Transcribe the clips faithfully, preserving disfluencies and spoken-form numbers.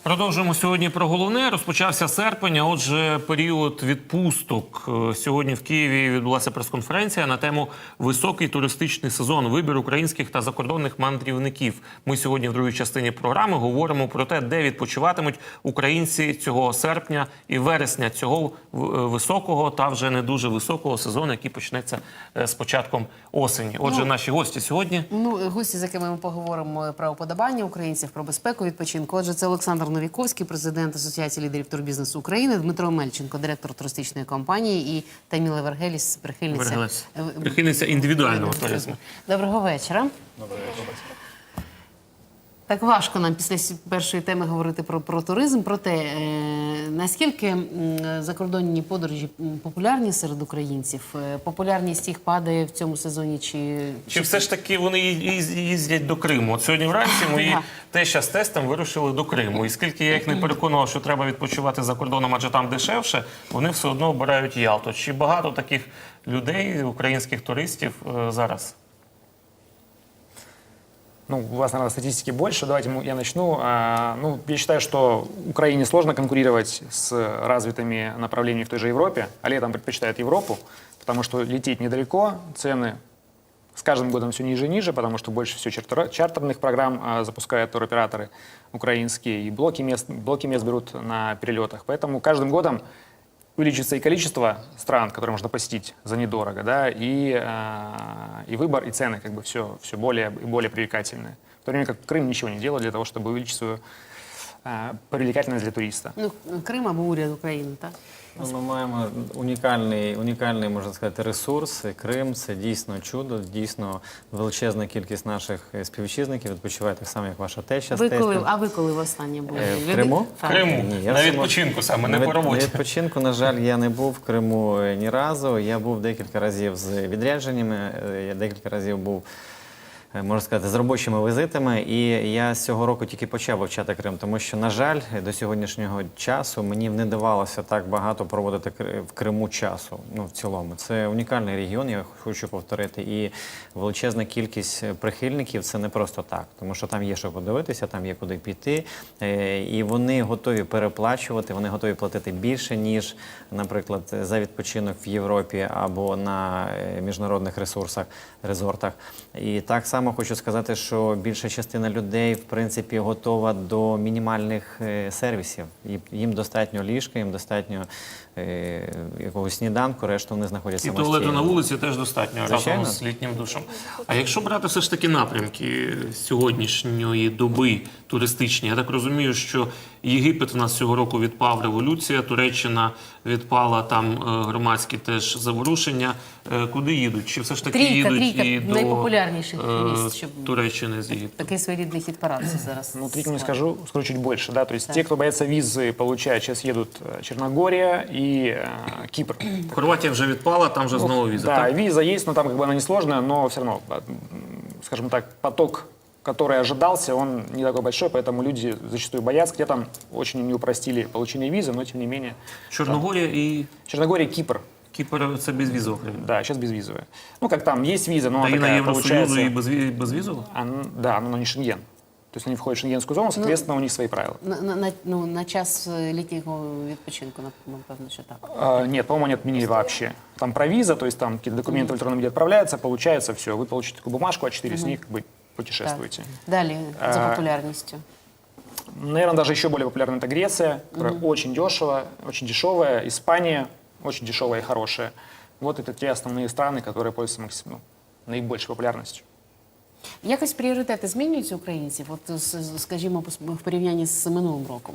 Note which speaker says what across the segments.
Speaker 1: Продовжуємо сьогодні про головне. Розпочався серпень, а отже, період відпусток. Сьогодні в Києві відбулася прес-конференція на тему «Високий туристичний сезон. Вибір українських та закордонних мандрівників». Ми сьогодні в другій частині програми говоримо про те, де відпочиватимуть українці цього серпня і вересня, цього високого та вже не дуже високого сезону, який почнеться з початком осені. Отже, ну, наші гості сьогодні.
Speaker 2: Ну, гості, з якими ми поговоримо про уподобання українців, про безпеку відпочинку. Отже, це Олександр Новіковський, президент Асоціації лідерів турбізнесу України, Дмитро Мельченко, директор туристичної компанії, і Таміла Вергеліс, прихильниця,
Speaker 1: прихильниця індивідуального туризму.
Speaker 2: Доброго вечора.
Speaker 3: Доброго вечора.
Speaker 2: Так важко нам після першої теми говорити про, про туризм, про те, е, наскільки м, закордонні подорожі популярні серед українців, е, популярність їх падає в цьому сезоні, чи...
Speaker 1: Чи все ж таки вони їздять до Криму? От сьогодні вранці мої теща з тестом вирушили до Криму. І скільки я їх не переконував, що треба відпочивати за кордоном, адже там дешевше, вони все одно обирають Ялту. Чи багато таких людей, українських туристів, е, зараз?
Speaker 3: Ну, у вас, наверное, статистики больше. Давайте я начну. Ну, я считаю, что Украине сложно конкурировать с развитыми направлениями в той же Европе, а летом предпочитают Европу, потому что лететь недалеко, цены с каждым годом все ниже и ниже, потому что больше всего чартер, чартерных программ запускают туроператоры украинские, и блоки мест, блоки мест берут на перелетах. Поэтому каждым годом увеличится и количество стран, которые можно посетить за недорого, да, и, э, и выбор, и цены, как бы все, все более и более привлекательные. В то время как Крым ничего не делает для того, чтобы увеличить свою э, привлекательность для туриста.
Speaker 2: Ну, Крим або уряд України, так?
Speaker 4: Ну, ми маємо унікальний, унікальний, можна сказати, ресурс. Крим – це дійсно чудо, дійсно величезна кількість наших співвітчизників відпочиває так само, як ваша теща.
Speaker 2: Ви коли, а ви коли востаннє були?
Speaker 4: В Криму?
Speaker 1: В Криму.
Speaker 4: Ні, я
Speaker 1: на
Speaker 4: сама...
Speaker 1: відпочинку саме, не
Speaker 4: на
Speaker 1: по роботі.
Speaker 4: На відпочинку, на жаль, я не був в Криму ні разу. Я був декілька разів з відрядженнями, я декілька разів був, можна сказати, з робочими візитами, і я з цього року тільки почав вивчати Крим, тому що, на жаль, до сьогоднішнього часу мені не давалося так багато проводити в Криму часу, ну, в цілому. Це унікальний регіон, я хочу повторити, і величезна кількість прихильників – це не просто так, тому що там є що подивитися, там є куди піти, і вони готові переплачувати, вони готові платити більше, ніж, наприклад, за відпочинок в Європі або на міжнародних ресурсах, резортах. І так само хочу сказати, що більша частина людей, в принципі, готова до мінімальних е, сервісів. Їм достатньо ліжка, їм достатньо е, якогось сніданку, решту вони знаходяться самостійно.
Speaker 1: І туалету на вулиці теж достатньо,
Speaker 4: Звичайно.
Speaker 1: разом з літнім душем. А якщо брати все ж таки напрямки сьогоднішньої доби туристичні, я так розумію, що Єгипет в нас цього року відпав, революція, Туреччина відпала, там громадські теж заворушення. Куди їдуть? Чи все ж таки
Speaker 2: трійка,
Speaker 1: їдуть
Speaker 2: трійка
Speaker 1: і до
Speaker 2: найпопулярніших місць, щоб...
Speaker 1: Туреччини з Єгипту?
Speaker 2: Такий своєрідний хіт-парад зараз.
Speaker 3: Ну, трійку не скажу, скажу чуть больше, да, то есть те, кто боятся визы, получают, сейчас едут Черногория и э, Кипр.
Speaker 1: Хорватія вже відпала, там вже знову віза,
Speaker 3: Да,
Speaker 1: так?
Speaker 3: виза есть, но там как бы она несложная, но все равно, скажем так, поток, который ожидался, он не такой большой, поэтому люди зачастую боятся. Где там очень не упростили получение визы, но тем не менее.
Speaker 1: Чорногорія і...
Speaker 3: Черногория, Кипр.
Speaker 1: Кіпр – це безвізова країна.
Speaker 3: Да, сейчас безвизовая. Ну, как там, есть виза, но она
Speaker 1: Країна
Speaker 3: такая,
Speaker 1: Євросоюзу
Speaker 3: получается...
Speaker 1: і безвізова?
Speaker 3: Она, да, но не Шенген. То есть они входят в шенгенскую зону, соответственно, ну, у них свои правила.
Speaker 2: На, на, на, ну, на час літнього відпочинку, напевно, що так.
Speaker 3: А, нет, по-моему, они отменили вообще. Там про виза, то есть там какие-то документы в электронном виде отправляются, получается все. Вы получите такую бумажку, а четыре с них как бы путешествуете.
Speaker 2: Так. Далі, за популярністю.
Speaker 3: Наверное, даже еще более популярна это Греция, которая mm-hmm. очень дешево, очень дешевая. Испания очень дешевая и хорошая. Вот это те основные страны, которые пользуются максим... ну, наибольшей популярностью.
Speaker 2: Якось пріоритети змінюються українців, от, скажімо, в порівнянні з минулим роком?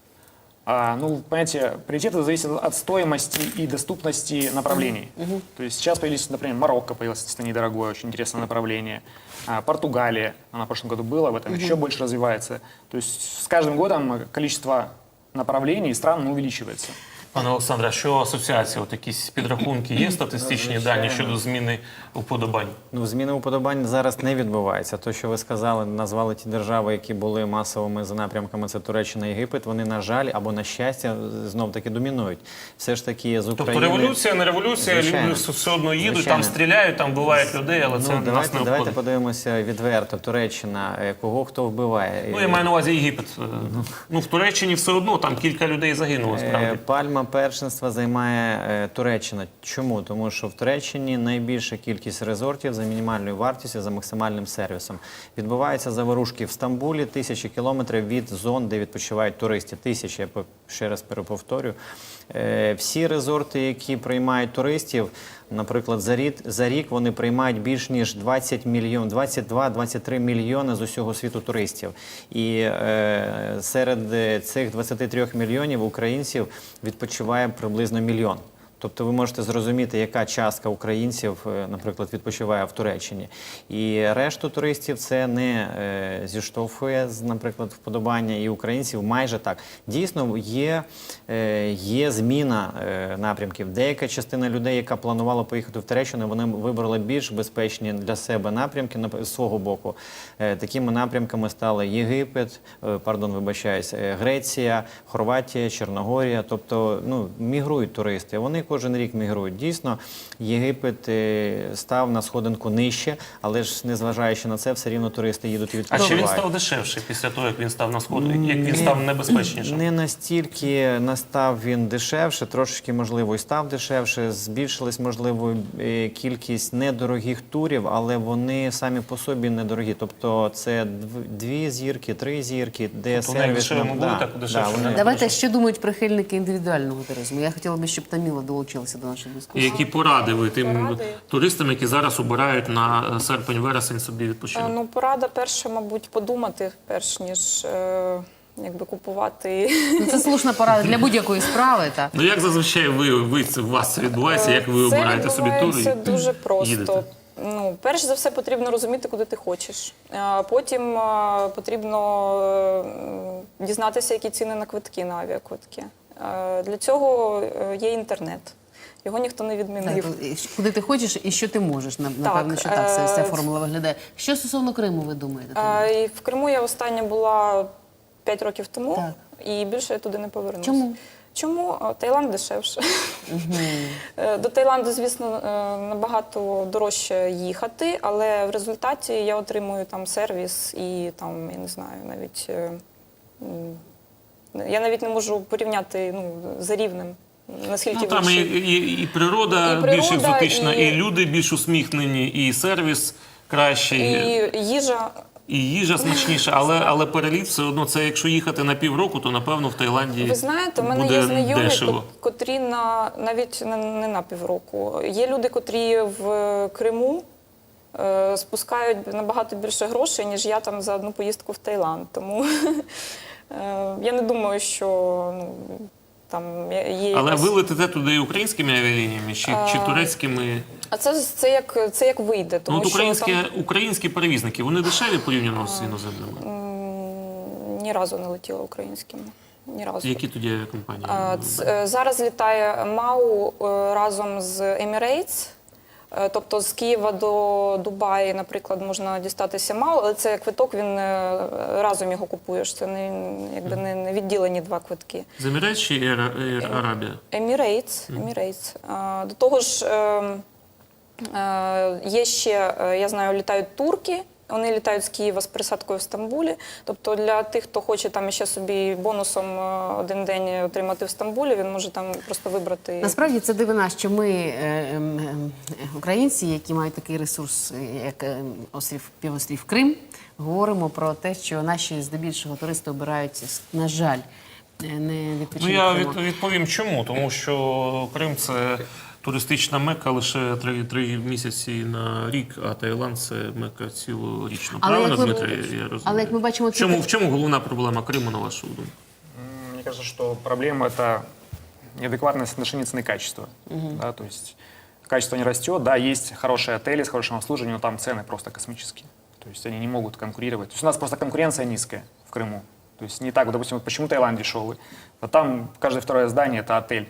Speaker 3: А, ну, понимаете, приоритеты зависят от стоимости и доступности направлений. Mm-hmm. То есть сейчас появились, например, Марокко появилось, это недорогое, очень интересное направление. А, Португалия, она в прошлом году была, в этом mm-hmm. еще больше развивается. То есть с каждым годом количество направлений и стран увеличивается.
Speaker 1: Пане Олександре, а що асоціація? От якісь підрахунки є статистичні дані щодо зміни уподобань?
Speaker 4: Ну, зміни уподобань зараз не відбувається. То, що ви сказали, назвали ті держави, які були масовими за напрямками, це Туреччина і Єгипет, вони, на жаль, або на щастя, знов-таки домінують. Все ж таки з України...
Speaker 1: Тобто революція, не революція,
Speaker 4: Звичайно.
Speaker 1: люди все одно їдуть,
Speaker 4: Звичайно.
Speaker 1: там стріляють, там вбивають людей, але це
Speaker 4: Ну,
Speaker 1: нас
Speaker 4: давайте,
Speaker 1: не
Speaker 4: давайте
Speaker 1: обходить.
Speaker 4: подивимося відверто. Туреччина, е, кого хто вбиває.
Speaker 1: Ну, я маю на увазі Єгипет. Ну, в Туреччині все одно, там кілька людей загинуло,
Speaker 4: Е,
Speaker 1: справді.
Speaker 4: Пальма першинства займає е, Туреччина. Чому? Тому що в Туреччині найбільша кількість резортів за мінімальною вартістю, за максимальним сервісом. Відбуваються заворушки в Стамбулі, тисячі кілометрів від зон, де відпочивають туристи. Тисячі, я по- ще раз переповторю. Е, Всі резорти, які приймають туристів, наприклад, за рік, за рік вони приймають більш ніж двадцять мільйон, двадцять два - двадцять три мільйони з усього світу туристів. І е, серед е, цих двадцяти трьох мільйонів українців відпочиває приблизно мільйон. Тобто ви можете зрозуміти, яка частка українців, е, наприклад, відпочиває в Туреччині. І решту туристів це не е, зіштовхує, з, наприклад, вподобання і українців майже так. Дійсно, є, е, є зміна е, напрямків. Деяка частина людей, яка планувала поїхати в Туреччину, вони вибрали більш безпечні для себе напрямки на- з свого боку. Е, такими напрямками стали Єгипет, е, пардон, вибачаюсь, е, Греція, Хорватія, Чорногорія. Тобто, ну, мігрують туристи. Вони кожен рік мігрують. Дійсно, Єгипет е, став на сходинку нижче, але ж незважаючи на це, все рівно туристи їдуть і
Speaker 1: А
Speaker 4: відпочивають.
Speaker 1: чи він став дешевше після того, як він став на сходу, як він став небезпечнішим?
Speaker 4: Не настільки настав він дешевше, трошечки, можливо, і став дешевше. Збільшилась, можливо, е, кількість недорогих турів, але вони самі по собі недорогі. Тобто це дв- дві зірки, три зірки, де
Speaker 1: Тобто
Speaker 4: сервіс...
Speaker 1: найдешевшими
Speaker 4: ну,
Speaker 1: були,
Speaker 4: да,
Speaker 1: так дешевше
Speaker 4: вони-
Speaker 1: не
Speaker 2: Давайте, що думають прихильники індивідуального туризму. Я хотіла би, щоб Таміла долучилася до нашої
Speaker 1: І
Speaker 2: дискусії.
Speaker 1: які поради ви тим
Speaker 5: Поради?
Speaker 1: туристам, які зараз обирають на серпень-вересень собі
Speaker 5: Е,
Speaker 1: відпочинок?
Speaker 5: Ну, порада перша, мабуть, подумати, перш ніж е, якби купувати.
Speaker 2: Ну, це слушна порада для будь-якої справи. Та.
Speaker 1: Ну як зазвичай ви, ви це- у вас це відбувається, як ви
Speaker 5: Це
Speaker 1: обираєте собі тур?
Speaker 5: відбувається дуже
Speaker 1: їдете?
Speaker 5: просто. Ну, перш за все, потрібно розуміти, куди ти хочеш. А Потім е, потрібно е, дізнатися, які ціни на квитки, на авіаквитки. Е, Для цього е, є інтернет. Його ніхто не відмінив.
Speaker 2: Так, і куди ти хочеш і що ти можеш. На- Напевно, що так ця, ця
Speaker 5: е,
Speaker 2: формула виглядає. Що стосовно Криму, ви думаєте?
Speaker 5: А,
Speaker 2: Таміла?
Speaker 5: і в Криму я остання була п'ять років тому,
Speaker 2: Так.
Speaker 5: і більше я туди не повернуся.
Speaker 2: Чому?
Speaker 5: Чому? А, Таїланд дешевше. Е, До Таїланду, звісно, е, набагато дорожче їхати, але в результаті я отримую там сервіс і там, я не знаю, навіть е, м, я навіть не можу порівняти ну, за рівнем. Наскільки
Speaker 1: Ну, там і,
Speaker 5: вищий.
Speaker 1: і, і природа
Speaker 5: І
Speaker 1: більш
Speaker 5: природа,
Speaker 1: екзотична, і...
Speaker 5: і-
Speaker 1: люди більш усміхнені, і сервіс кращий, і,
Speaker 5: І їжа.
Speaker 1: їжа смачніша. Але, але переліт все одно, це якщо їхати на півроку, то напевно в Таїланді
Speaker 5: Ви знаєте, у мене
Speaker 1: буде
Speaker 5: є знайомі,
Speaker 1: дешево.
Speaker 5: ко- котрі на навіть не, не на півроку. Є люди, котрі в Криму е, спускають набагато більше грошей, ніж я там за одну поїздку в Таїланд. Тому е, я не думаю, що ну, там є є
Speaker 1: Але
Speaker 5: якась-
Speaker 1: ви летите туди українськими авіалініями чи, чи турецькими?
Speaker 5: А це, це, як, це як вийде,
Speaker 1: Ну,
Speaker 5: тому
Speaker 1: от українські,
Speaker 5: що
Speaker 1: українські перевізники, вони дешеві порівняно з іноземними?
Speaker 5: там м, ні разу не летіла українськими. Ні разу.
Speaker 1: Які тоді авіакомпанії?
Speaker 5: А, ц- е, Зараз літає МАУ е, разом з Emirates. Е, Тобто з Києва до Дубаї, наприклад, можна дістатися МАУ, але це квиток, він е, разом його купуєш. Це не, якби не не відділені два квитки.
Speaker 1: З Емірейт чи Air, Air Arabia?
Speaker 5: Emirates. Emirates. А, До того ж, е, е, є ще, е, я знаю, літають турки. Вони літають з Києва з пересадкою в Стамбулі. Тобто для тих, хто хоче там ще собі бонусом е, один день отримати в Стамбулі, він може там просто вибрати.
Speaker 2: Насправді це дивина, що ми, е, ем, ем, українці, які мають такий ресурс, е, як е, острів, півострів Крим, говоримо про те, що наші здебільшого туристи обирають, на жаль, е, не
Speaker 1: Ну,
Speaker 2: відпочинок.
Speaker 1: я
Speaker 2: в
Speaker 1: від,
Speaker 2: Криму.
Speaker 1: відповім чому. Тому що Крим – це туристична мека лише три, три місяці на рік, а Таїланд – це мека цілорічна.
Speaker 2: Але
Speaker 1: Правильно,
Speaker 2: як ми-
Speaker 1: Дмитре, я розумію?
Speaker 2: але як ми бачимо,
Speaker 1: в
Speaker 2: це
Speaker 1: чому,
Speaker 2: так-
Speaker 1: в чому головна проблема Криму, на вашу думку?
Speaker 3: М, Мне кажется, что проблема — это неадекватное соотношение цены и качества. Да, то есть качество не растет, да, есть хорошие отели с хорошим обслуживанием, но там цены просто космические. То есть они не могут конкурировать. То есть у нас просто конкуренция низкая в Крыму. То есть не так, вот, допустим, вот почему Таиланд дешевый? А там каждое второе здание — это отель.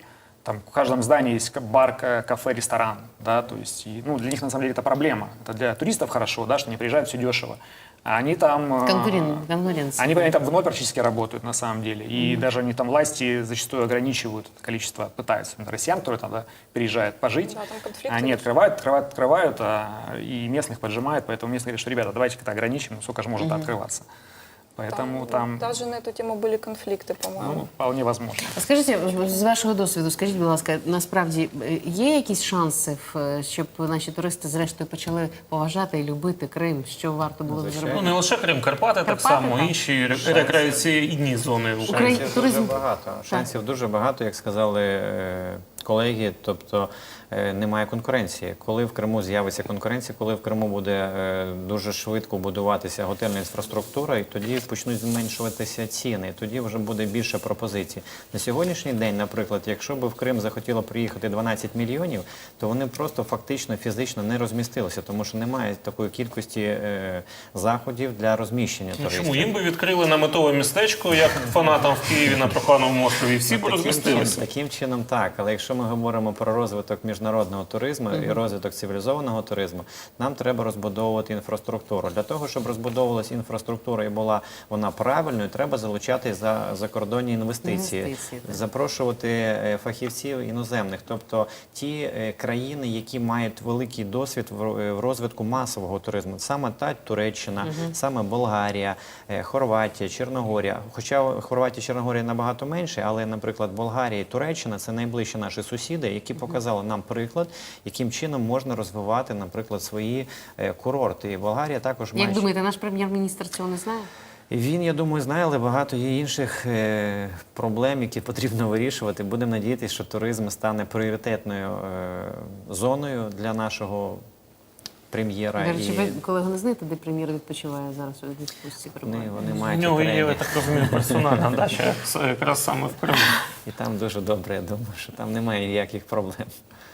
Speaker 3: там в каждом здании есть бар, ка- кафе, ресторан, да, то есть, и, ну, для них на самом деле это проблема. Это для туристов хорошо, да, что они приезжают, все дешево. А они там... э,
Speaker 2: Конкурен- конкуренция.
Speaker 3: Они, они там вновь практически работают, на самом деле. И даже они там власти зачастую ограничивают количество, пытаются, например, россиян, которые там да, переезжают пожить.
Speaker 5: Да, там конфликты
Speaker 3: Они
Speaker 5: очень.
Speaker 3: открывают, открывают, открывают, а, и местных поджимают. Поэтому местные говорят, что, ребята, давайте как-то ограничим, ну, сколько же может открываться. Поэтому там,
Speaker 5: Навіть на цю тему були конфлікти, по-моєму.
Speaker 3: ну, вполне возможно.
Speaker 2: А скажіть, з вашого досвіду, скажіть, будь ласка, насправді е, є якісь шанси, в- щоб наші туристи зрештою почали поважати і любити Крим? Що варто було б
Speaker 4: Звичайно.
Speaker 2: зробити?
Speaker 1: Ну не лише Крим, Карпати, так
Speaker 2: Карпати,
Speaker 1: само,
Speaker 2: так.
Speaker 1: інші ре- рекреаційні зони України.
Speaker 2: Україна-
Speaker 4: Шансів
Speaker 2: туризм-
Speaker 4: дуже багато. Шансів дуже багато, як сказали е, колеги. Тобто е, немає конкуренції. Коли в Криму з'явиться конкуренція, коли в Криму буде е, дуже швидко будуватися готельна інфраструктура, і тоді почнуть зменшуватися ціни, і тоді вже буде більше пропозицій. На сьогоднішній день, наприклад, якщо б в Крим захотіло приїхати дванадцять мільйонів, то вони просто фактично фізично не розмістилися, тому що немає такої кількості е, заходів для розміщення
Speaker 1: Ну,
Speaker 4: туристів.
Speaker 1: чому? Їм би відкрили наметове містечко, як фанатам в Києві на Трухановому острові, і всі б
Speaker 4: Таким
Speaker 1: розмістилися.
Speaker 4: чином- Таким чином, так. Але якщо ми говоримо про розвиток міжнародного туризму і розвиток цивілізованого туризму, нам треба розбудовувати інфраструктуру. Для того, щоб розбудовувалася інфраструктура і була вона правильною, треба залучати за закордонні інвестиції,
Speaker 2: Інвестиції, так.
Speaker 4: запрошувати е, фахівців іноземних, тобто ті е, країни, які мають великий досвід в ро- е, в розвитку масового туризму. Саме та Туреччина, саме Болгарія, е, Хорватія, Чорногорія. Хоча Хорватія, Чорногорія набагато менше, але, наприклад, Болгарія і Туреччина це найближчі наші сусіди, які показали нам приклад, яким чином можна розвивати, наприклад, свої е, курорти. І Болгарія також має.
Speaker 2: Як думаєте, наш прем'єр-міністр цього не знає?
Speaker 4: Він, я думаю, знає, але багато є інших е, проблем, які потрібно вирішувати. Будемо надіятися, що туризм стане пріоритетною е, зоною для нашого прем'єра.
Speaker 2: До речі,
Speaker 4: І
Speaker 2: ви, колего, не знаєте, де прем'єр відпочиває зараз у відпустці?
Speaker 4: вони,
Speaker 2: перебуває?
Speaker 4: вони
Speaker 1: У
Speaker 4: мають
Speaker 1: нього є, я
Speaker 4: окремі.
Speaker 1: так розумію, персональна дача це якраз саме в Криму.
Speaker 4: І там дуже добре, я думаю, що там немає ніяких проблем.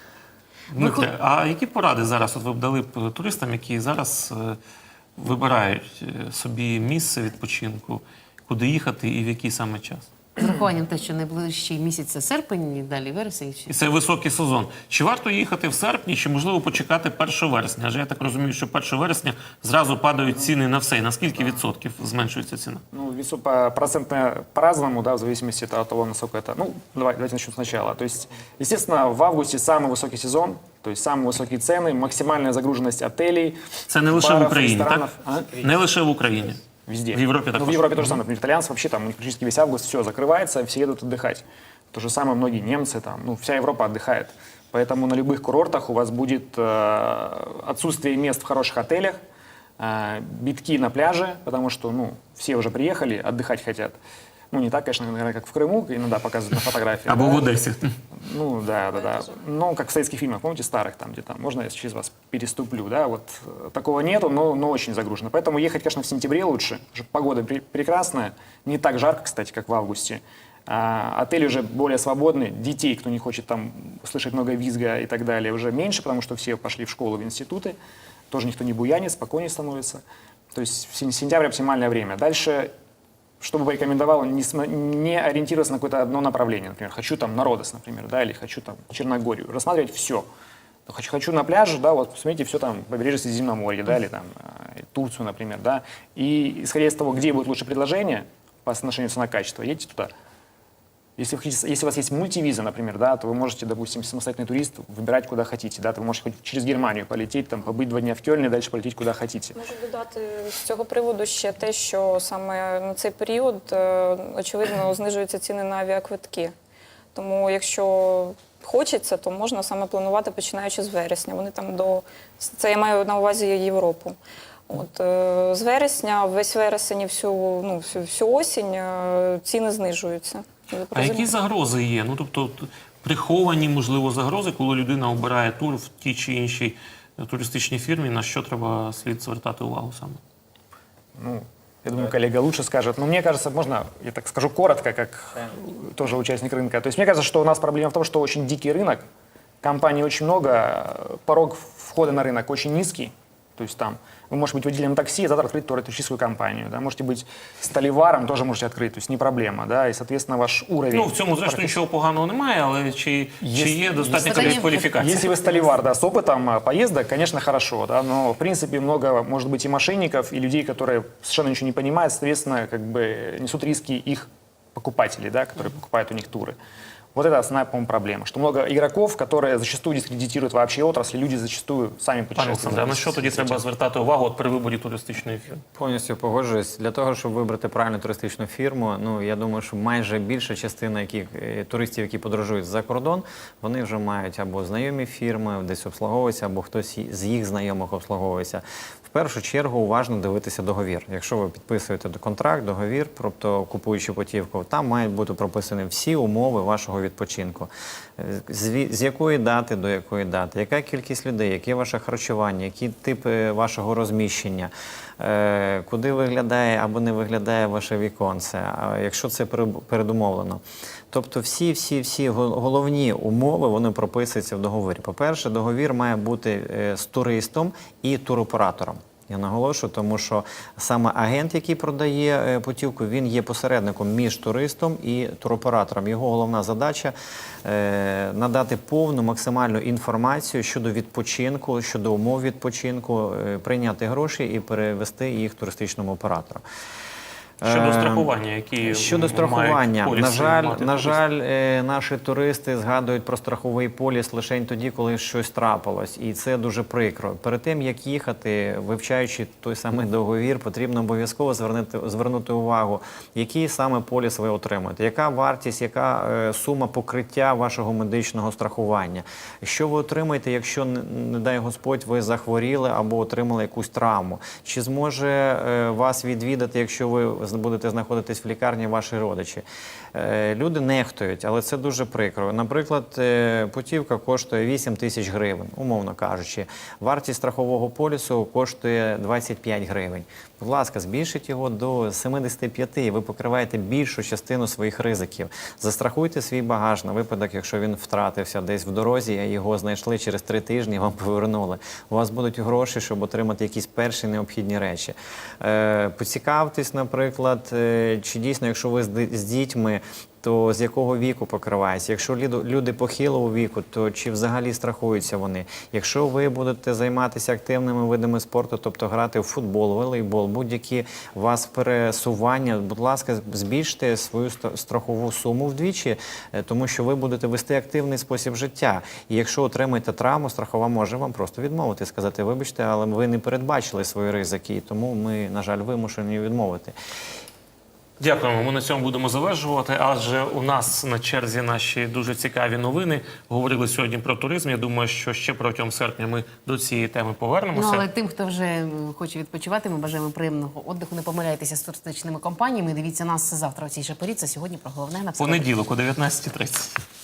Speaker 1: Дмитре, а які поради зараз от ви б дали б туристам, які зараз е, вибирають е, собі місце відпочинку, куди їхати і в який саме час?
Speaker 2: З урахуванням те, що найближчий місяць це серпень, і далі вересень.
Speaker 1: І це високий сезон. Чи варто їхати в серпні, чи можливо почекати першого вересня? Адже я так розумію, що першого вересня зразу падають ціни на все. І на скільки відсотків зменшується ціна?
Speaker 3: Ну, весу по процентно по-разному, да, в зависимости от того, насколько это... Ну, давай, давайте начнем сначала. То есть, естественно, в августе самый высокий сезон, то есть самые высокие цены, максимальная загруженность отелей,
Speaker 1: Це не лише в
Speaker 3: баров,
Speaker 1: Україні,
Speaker 3: ресторанов.
Speaker 1: так?
Speaker 3: А?
Speaker 1: Не лише в Україні.
Speaker 3: Везде.
Speaker 1: В Европе
Speaker 3: Ну,
Speaker 1: також.
Speaker 3: в Европе тоже самое. Например, итальянцы вообще там, у них практически весь август все закрывается, все едут отдыхать. То же самое многие немцы там, ну, вся Европа отдыхает. Поэтому на любых курортах у вас будет э, отсутствие мест в хороших отелях, э, битки на пляже, потому что, ну, все уже приехали, отдыхать хотят. Ну, не так, конечно, наверное, как в Крыму, иногда показывают на фотографии.
Speaker 1: Або
Speaker 3: да.
Speaker 1: в Одесі.
Speaker 3: Ну, да, да, да. Ну, как в советских фильмах, помните, старых, там, где там, можно я через вас переступлю, да, вот э, такого нету, но, но очень загружено. Поэтому ехать, конечно, в сентябре лучше, потому что погода пре- прекрасная, не так жарко, кстати, как в августе. А, отели уже более свободны, детей, кто не хочет там слышать много визга и так далее, уже меньше, потому что все пошли в школу, в институты, тоже никто не буянит, спокойнее становится. То есть в сен- сентябрь оптимальное время. Дальше что бы порекомендовал, не, см- не ориентироваться на какое-то одно направление. Например, хочу там на Родос, например, да, или хочу там Черногорию. Рассматривать все. Хочу, хочу на пляже, да, вот посмотрите все там, побережье Средиземноморья, да, или там э, Турцию, например, да. И исходя из того, где будет лучше предложение по соотношению цена-качество, едьте туда. Если, вы хотите, если у вас есть мультивиза, например, да, то вы можете, допустим, самостоятельный турист, выбирать куда хотите, да, то вы можете хоть через Германию полететь, там, побыть два дня в Кёльне, дальше полететь куда хотите.
Speaker 5: Можу додати з цього приводу ще те, що саме на цей період, е, очевидно, знижуються ціни на авіаквитки. Тому якщо хочеться, то можна саме планувати, починаючи з вересня. Вони там до... Це я маю на увазі Європу. От, е, з вересня, весь вересень і всю, ну, всю, всю осінь е, ціни знижуються.
Speaker 1: А які загрози є? Ну, тобто т- приховані, можливо, загрози, коли людина обирає тур в тій чи іншій е, туристичній фірмі, на що треба слід звертати увагу саме?
Speaker 3: Ну, я думаю, коллега лучше скажет. Но мне кажется, можно, я так скажу коротко, как тоже участник рынка. То есть мне кажется, что у нас проблема в том, что очень дикий рынок, компаний очень много, порог входа на рынок очень низкий. То есть там вы можете быть водителем такси, а завтра открыть туристическую компанию. Да? Можете быть столеваром, тоже можете открыть, то есть не проблема. Да? И, соответственно, ваш уровень...
Speaker 1: Ну, в цьому, зрештою, нічого поганого немає, але чи,
Speaker 3: Є-
Speaker 1: чи є достатньо
Speaker 2: є-
Speaker 1: такої
Speaker 2: є-
Speaker 1: кваліфікації?
Speaker 3: Если вы столевар, да, с опытом а, поездок, конечно, хорошо, да, но, в принципе, много, может быть, и мошенников, и людей, которые совершенно ничего не понимают, соответственно, как бы несут риски их покупателей, да, которые покупают у них туры. Вот это основная, по-моему, проблема, что много игроков, которые зачастую дискредитируют вообще отрасль, люди зачастую сами
Speaker 1: Пане
Speaker 3: путешествуют.
Speaker 1: Олександре, а на що тоді треба звертати увагу от при виборі туристичної фірми?
Speaker 4: Повністю погоджуюсь. Для того, щоб вибрати правильну туристичну фірму, ну я думаю, що майже більша частина яких, е, туристів, які подорожують за кордон, вони вже мають або знайомі фірми, десь обслуговуються, або хтось з їх знайомих обслуговується. В першу чергу уважно дивитися договір. Якщо ви підписуєте контракт, договір, тобто купуючи путівку, там мають бути прописані всі умови вашого відпочинку. Е, З, ві- з якої дати до якої дати, яка кількість людей, яке ваше харчування, які типи вашого розміщення, е, куди виглядає або не виглядає ваше віконце, а якщо це пере- передумовлено. Тобто всі, всі, всі гол- головні умови, вони прописуються в договорі. По-перше, договір має бути е, з туристом і туроператором. Я наголошую, тому що саме агент, який продає е, путівку, він є посередником між туристом і туроператором. Його головна задача е, надати повну максимальну інформацію щодо відпочинку, щодо умов відпочинку, е, прийняти гроші і перевести їх туристичному оператору.
Speaker 1: Щодо
Speaker 4: Е,
Speaker 1: страхування, які
Speaker 4: Щодо
Speaker 1: мають
Speaker 4: страхування,
Speaker 1: поліси
Speaker 4: на жаль,
Speaker 1: мати
Speaker 4: на
Speaker 1: туристи?
Speaker 4: жаль, е, наші туристи згадують про страховий поліс лише тоді, коли щось трапилось, і це дуже прикро. Перед тим як їхати, вивчаючи той самий договір, потрібно обов'язково звернути звернути увагу, який саме поліс ви отримуєте, яка вартість, яка е, сума покриття вашого медичного страхування, що ви отримаєте, якщо не, не дай Господь, ви захворіли або отримали якусь травму, чи зможе е, вас відвідати, якщо ви будете знаходитись в лікарні, ваші родичі. Е, Люди нехтують, але це дуже прикро. Наприклад, е, путівка коштує вісім тисяч гривень, умовно кажучи. Вартість страхового полісу коштує двадцять п'ять гривень. Будь ласка, збільшіть його до сімдесят п'ять, і ви покриваєте більшу частину своїх ризиків. Застрахуйте свій багаж на випадок, якщо він втратився десь в дорозі, а його знайшли через три тижні, вам повернули. У вас будуть гроші, щоб отримати якісь перші необхідні речі. Е, Поцікавтесь, наприклад, е, чи дійсно, якщо ви з ди- з дітьми, то з якого віку покривається? Якщо ліду- люди похилого віку, то чи взагалі страхуються вони? Якщо ви будете займатися активними видами спорту, тобто грати в футбол, волейбол, будь-які у вас пересування, будь ласка, збільште свою ста- страхову суму вдвічі, е, тому що ви будете вести активний спосіб життя. І якщо отримаєте травму, страхова може вам просто відмовити, сказати, вибачте, але ви не передбачили свої ризики, і тому ми, на жаль, вимушені відмовити.
Speaker 1: Дякуємо. Ми на цьому будемо завершувати. Адже у нас на черзі наші дуже цікаві новини. Говорили сьогодні про туризм. Я думаю, що ще протягом серпня ми до цієї теми повернемося.
Speaker 2: Ну, але тим, хто вже м, хоче відпочивати, ми бажаємо приємного віддиху. Не помиляйтеся з туристичними компаніями. Дивіться нас завтра о цій же порі. Це сьогодні про головне на все.
Speaker 1: Понеділок о дев'ятнадцятій тридцять.